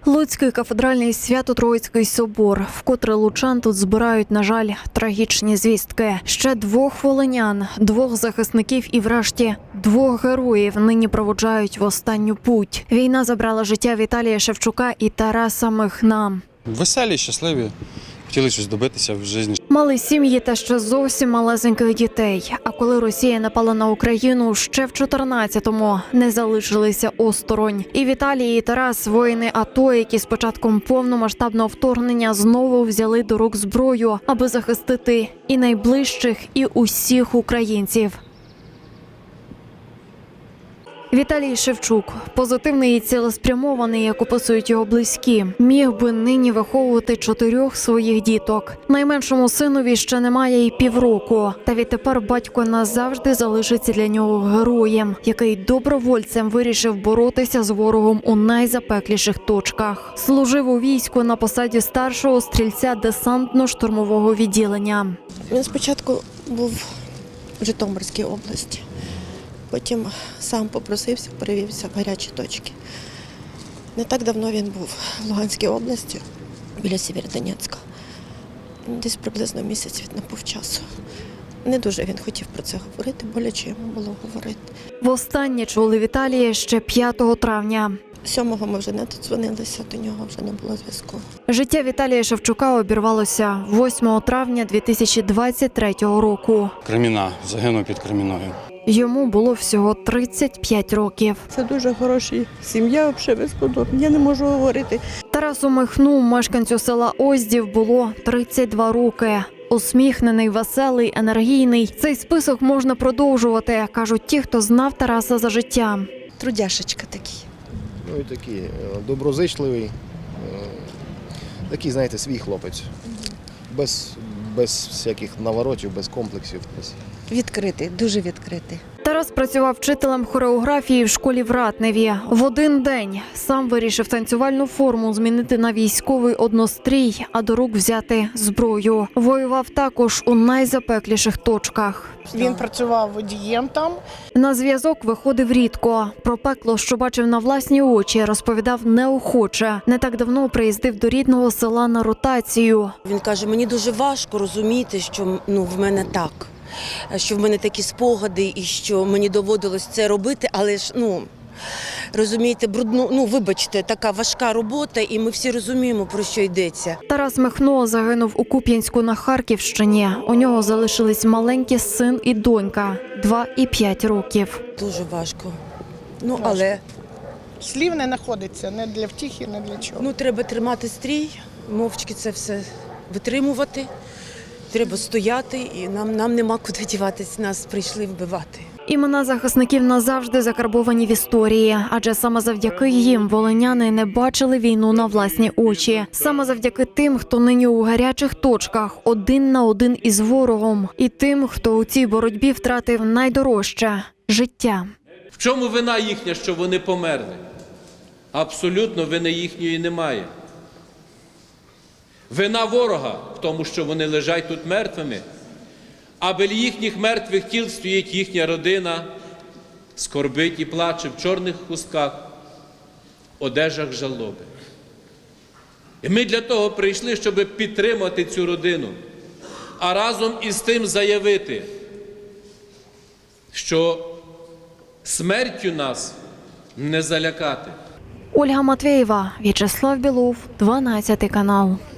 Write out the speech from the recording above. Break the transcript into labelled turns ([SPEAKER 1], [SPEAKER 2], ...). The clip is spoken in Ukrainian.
[SPEAKER 1] Луцький кафедральний Свято-Троїцький собор. Вкотре лучан тут збирають, на жаль, трагічні звістки. Ще 2 волинян, 2 захисників і врешті 2 героїв нині проводжають в останню путь. Війна забрала життя Віталія Шевчука і Тараса Михна.
[SPEAKER 2] Веселі, щасливі, хотіли щось добитися в житті.
[SPEAKER 1] Мали сім'ї та ще зовсім малесеньких дітей. А коли Росія напала на Україну, ще в 14-му не залишилися осторонь. І Віталій, і Тарас – воїни АТО, які з початком повномасштабного вторгнення знову взяли до рук зброю, аби захистити і найближчих, і усіх українців. Віталій Шевчук – позитивний і цілеспрямований, як описують його близькі. Міг би нині виховувати 4 своїх діток. Найменшому синові ще немає і півроку. Та відтепер батько назавжди залишиться для нього героєм, який добровольцем вирішив боротися з ворогом у найзапекліших точках. Служив у війську на посаді старшого стрільця десантно-штурмового відділення.
[SPEAKER 3] Він спочатку був в Житомирській області. Потім сам попросився, перевівся в гарячі точки. Не так давно він був в Луганській області, біля Сєвєродонецька. Десь приблизно місяць він набув часу. Не дуже він хотів про це говорити, боляче йому було говорити.
[SPEAKER 1] Востаннє чули Віталія ще 5 травня.
[SPEAKER 3] 7-го ми вже не додзвонилися, до нього вже не було зв'язку.
[SPEAKER 1] Життя Віталія Шевчука обірвалося 8 травня 2023 року.
[SPEAKER 2] Креміна, загинув під Креміною.
[SPEAKER 1] Йому було всього 35 років.
[SPEAKER 4] Це дуже хороша сім'я, взагалі безподобна. Я не можу говорити.
[SPEAKER 1] Тарасу Михну, мешканцю села Оздів, було 32 роки. Усміхнений, веселий, енергійний. Цей список можна продовжувати, кажуть ті, хто знав Тараса за життя.
[SPEAKER 3] Трудяшечка такий.
[SPEAKER 5] Ну і такий доброзичливий, такий, знаєте, свій хлопець. Без всяких наворотів, без комплексів.
[SPEAKER 3] Відкритий, дуже відкритий.
[SPEAKER 1] Тарас працював вчителем хореографії в школі в Ратневі. В один день сам вирішив танцювальну форму змінити на військовий однострій, а до рук взяти зброю. Воював також у найзапекліших точках.
[SPEAKER 6] Він працював водієм там.
[SPEAKER 1] На зв'язок виходив рідко. Про пекло, що бачив на власні очі, розповідав неохоче. Не так давно приїздив до рідного села на ротацію.
[SPEAKER 7] Він каже, мені дуже важко розуміти, що в мене так, що в мене такі спогади і що мені доводилось це робити, але ж, розумієте, брудно, вибачте, така важка робота, і ми всі розуміємо, про що йдеться.
[SPEAKER 1] Тарас Михно загинув у Куп'янську на Харківщині. У нього залишились маленькі син і донька, 2 і 5 років.
[SPEAKER 7] Дуже важко. Але
[SPEAKER 6] Слів не знаходиться, не для втіхи, не для чого.
[SPEAKER 7] треба тримати стрій, мовчки це все витримувати. Треба стояти, і нам нема куди діватись, нас прийшли вбивати.
[SPEAKER 1] Імена захисників назавжди закарбовані в історії, адже саме завдяки їм волиняни не бачили війну на власні очі. Саме завдяки тим, хто нині у гарячих точках, 1 на 1 із ворогом. І тим, хто у цій боротьбі втратив найдорожче – життя.
[SPEAKER 8] В чому вина їхня, що вони померли? Абсолютно вини їхньої немає. Вина ворога в тому, що вони лежать тут мертвими, а біля їхніх мертвих тіл стоїть їхня родина, скорбить і плаче в чорних хустках, одежах жалоби. І ми для того прийшли, щоб підтримати цю родину, а разом із тим заявити, що смертю нас не залякати.
[SPEAKER 1] Ольга Матвєєва, В'ячеслав Білов, 12 канал.